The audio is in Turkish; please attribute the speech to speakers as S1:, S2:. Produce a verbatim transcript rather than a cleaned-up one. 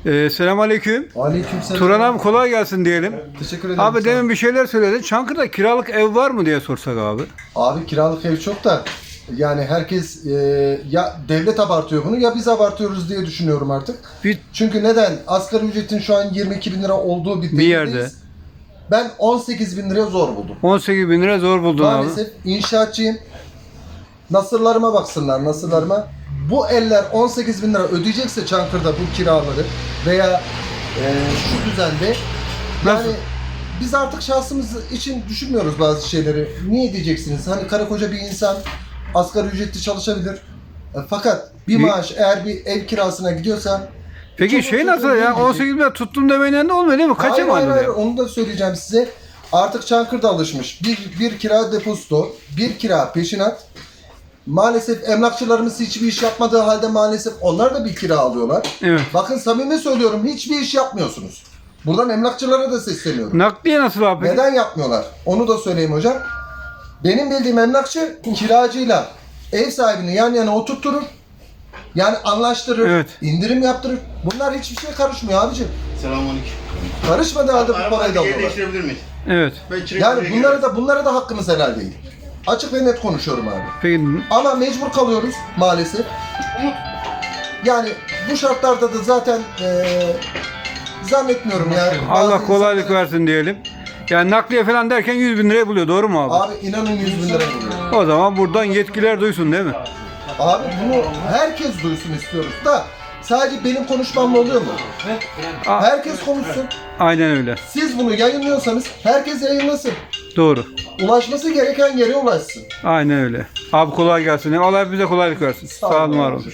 S1: Ee, Selamünaleyküm.
S2: Aleykümselam.
S1: Turan abi kolay gelsin diyelim.
S2: Teşekkür ederim.
S1: Abi
S2: sağ ol.
S1: demin bir şeyler söyledin. Çankırı'da kiralık ev var mı diye sorsak abi.
S2: Abi kiralık ev çok da yani herkes e, ya devlet abartıyor bunu ya biz abartıyoruz diye düşünüyorum artık.
S1: Bir,
S2: Çünkü neden? Asgari ücretin şu an yirmi iki bin lira olduğu bir,
S1: Bir yerde.
S2: devirdeyiz. Ben on sekiz bin liraya zor buldum.
S1: on sekiz bin lira zor buldun abi.
S2: Maalesef inşaatçıyım. Nasırlarıma baksınlar, nasırlarıma. Bu eller on sekiz bin lira ödeyecekse Çankırı'da bu kiraları veya e, şu düzende yani
S1: Nasıl?
S2: biz artık şahsımız için düşünmüyoruz bazı şeyleri. Niye diyeceksiniz? Hani karı koca bir insan asgari ücretli çalışabilir. E, fakat bir
S1: Bir-
S2: maaş eğer bir ev kirasına gidiyorsa
S1: Peki
S2: çok
S1: şey
S2: çok
S1: nasıl
S2: önemli
S1: ya?
S2: bir
S1: on
S2: şey.
S1: sekiz bin lira tuttum demeyle ne olmuyor değil mi? Kaça
S2: Hayır,
S1: mı
S2: hayır,
S1: aldın
S2: hayır,
S1: ya?
S2: onu da söyleyeceğim size. Artık Çankırı'da alışmış. Bir, bir kira depozito, bir kira peşinat. Maalesef emlakçılarımız hiçbir iş yapmadığı halde maalesef onlar da bir kira alıyorlar.
S1: Evet.
S2: Bakın samimi söylüyorum, hiçbir iş yapmıyorsunuz. Buradan emlakçılara da sesleniyorum.
S1: Nakliye nasıl abi peki?
S2: Neden yapmıyorlar? Onu da söyleyeyim hocam. Benim bildiğim emlakçı kiracıyla ev sahibini yan yana oturtturur. Yani anlaştırır,
S1: Evet.
S2: indirim yaptırır. Bunlar hiçbir şey karışmıyor abicim.
S3: Selamünaleyküm.
S2: Karışmadığı halde bu
S3: Arabadan
S2: parayı da
S3: yer
S2: alıyorlar.
S3: değiştirebilir miyiz?
S1: Evet.
S3: Ben çilek
S2: Yani
S3: buraya
S2: bunlara
S3: girerim.
S2: da bunlara da hakkımız helal değil. Açık ve net konuşuyorum abi.
S1: Peki
S2: Ama mecbur kalıyoruz maalesef. Yani bu şartlarda da zaten eee zannetmiyorum yani.
S1: Allah
S2: Bazı
S1: kolaylık
S2: insanlara-
S1: versin diyelim. Yani nakliye falan derken yüz bin liraya buluyor doğru mu abi?
S2: Abi inanın yüz bin lira buluyor.
S1: O zaman buradan yetkililer duysun değil mi?
S2: Abi bunu herkes duysun istiyoruz da sadece benim konuşmamla oluyor mu?
S1: Aa.
S2: Herkes konuşsun.
S1: Aynen öyle.
S2: Siz bunu yayınlıyorsanız herkes yayınlasın.
S1: Doğru.
S2: Ulaşması gereken yere ulaşsın.
S1: Aynen öyle. Abi kolay gelsin. Allah bize kolaylık versin. Sağ olun, var olun.